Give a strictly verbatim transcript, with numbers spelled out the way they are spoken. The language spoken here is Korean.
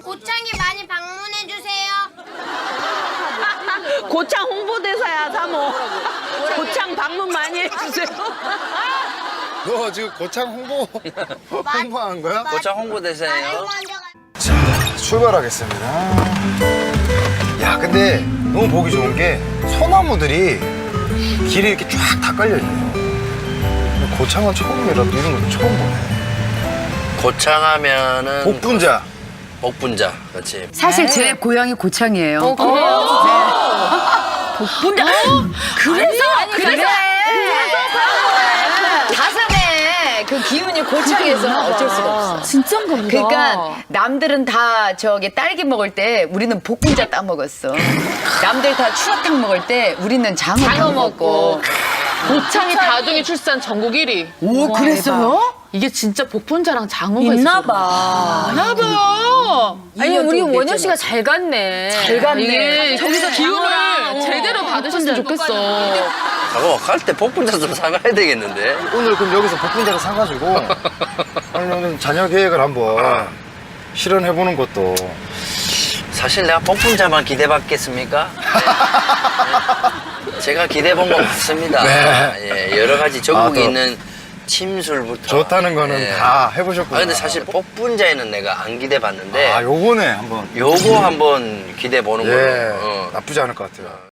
고창에 많이 방문해 주세요. 고창 홍보대사야, 사모. 고창 방문 많이 해주세요. 너 지금 고창 홍보 홍보한 거야? 고창 홍보대사예요. 자, 출발하겠습니다. 야, 근데 너무 보기 좋은 게 소나무들이 길에 이렇게 쫙 다 깔려 있네요. 고창은 처음이라도 이런 것도 처음 보네. 고창하면은 복분자. 복분자, 그렇지. 사실 제 고향이 고창이에요. 어, 그래요? 복분자. 그래서? 그래서? 가슴에 그 기운이 고창에서 어쩔 수가 없어. 진짠가 보다. 그러니까 남들은 다 저기 딸기 먹을 때 우리는 복분자 따 먹었어. 남들 다 추어탕 먹을 때 우리는 장어, 장어 먹고. 고창이 다둥이 출산 전국 일 위. 오, 그랬어요? 이게 진짜 복분자랑 장어가 있나 있었구나. 봐. 있나 봐. 아니, 우리 원효 씨가 잘 갔네. 잘 갔네. 이게 저기서 기운을 장어랑, 어, 제대로 받으셨으면 좋겠어. 저거 갈 때 복분자 좀 사가야 되겠는데. 오늘 그럼 여기서 복분자를 사가지고 아니 오늘 자녀 계획을 한번 실현해보는 것도. 사실 내가 복분자만 기대받겠습니까? 네. 제가 기대본 건 맞습니다. 네. 예, 여러 가지 전국에 아, 또 있는 침술부터. 좋다는 거는 예. 다 해보셨구나. 아, 근데 사실 복분자에는 내가 안 기대봤는데. 아, 요거네 한번. 요거 한번 기대보는 예, 걸로. 어. 나쁘지 않을 것 같아요.